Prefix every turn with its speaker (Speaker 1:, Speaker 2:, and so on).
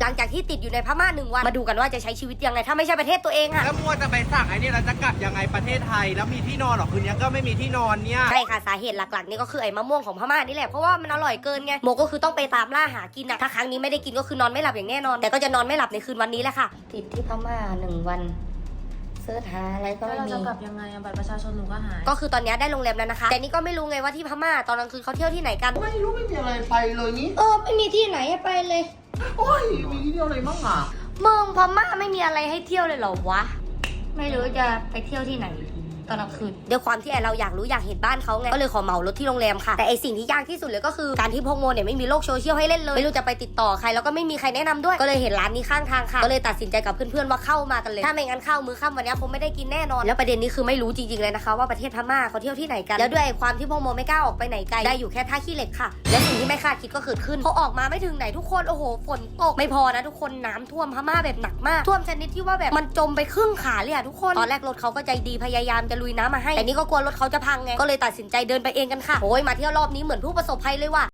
Speaker 1: หลังจากที่ติดอยู่ในพม่า1 วันมาดูกันว่าจะใช้ชีวิตยังไงถ้าไม่ใช่ประเทศตัวเองค่ะ
Speaker 2: แล้วมัวจะไปสั่งไอ้นี่เราจะกลับยังไงประเทศไทยแล้วมีที่นอนหรอคืนนี้ก็ไม่มีที่นอนเนี่ย
Speaker 1: ใช่ค่ะสาเหตุหลักๆนี่ก็คือไอ้มะม่วงของพม่านี่แหละเพราะว่ามันอร่อยเกินไงโมก็คือต้องไปตามล่าหากินอะถ้าครั้งนี้ไม่ได้กินก็คือนอนไม่หลับอย่างแน่นอนแต่ก็จะนอนไม่หลับในคืนวันนี้แหละค่ะติดที่พม่า1 วันเสิร์ชหาอะไรก็ไม่มี
Speaker 3: เราจะกลับยังไงบัตรประชาชนหนูก็หาย
Speaker 1: ก็คือตอนนี้ได้โรงแรมแล้วนะคะแต่นี่ก็ไม่รู้ไงว่าที่พม่าตอนกลางคืนเขาเที่ยวที่ไหนกัน
Speaker 4: ไม่รู้ไม่มีอะไรไปเลยนี้
Speaker 1: ไม่มีที่ไหนให้ไปเลย
Speaker 4: โอ้ยมีที่เดียวอะไรมั่งอ่ะ
Speaker 1: เมืองพม่าไม่มีอะไรให้เที่ยวเลยเหรอวะไม่รู้จะไปเที่ยวที่ไหนตอนกลางคืนด้วยความที่เราอยากรู้อยากเห็นบ้านเขาไงก็เลยขอเหมารถที่โรงแรมค่ะแต่ไอสิ่งที่ยากที่สุดเลยก็คือการที่พวกโมเนี่ยไม่มีโลกโซเชียลให้เล่นเลยไม่รู้จะไปติดต่อใครแล้วก็ไม่มีใครแนะนำด้วยก็เลยเห็นร้านนี้ข้างทางค่ะก็เลยตัดสินใจกับเพื่อนๆว่าเข้ามากันเลยถ้าไม่งั้นเข้ามื้อค่ำวันนี้คงไม่ได้กินแน่นอนแล้วประเด็นนี้คือไม่รู้จริงๆเลยนะคะว่าประเทศพม่าเขาเที่ยวที่ไหนกันแล้วด้วยความที่พวกโมไม่กล้าออกไปไหนไกลได้อยู่แค่ท่าขี้เหล็กค่ะและสิ่งที่ไม่คาดคิดก็เกิดขึ้นพอออกมาไม่ถึงไหนทุกคนโอ้โหฝนตกไม่พอนะทุกคนน้ำท่วมพม่าแบบหนักมากท่วมชนิดที่ว่าแบบมันจมไปครึ่งขาเลยอะทุกคนตอนแรกรถเขาก็ใจดีพยายามจะลุยน้ำมาให้แต่นี่ก็กลัวรถเขาจะพังไงก็เลยตัดสินใจเดินไปเองกันค่ะโอ้ยมาเที่ยวรอบนี้เหมือนผู้ประสบภัยเลยว่ะ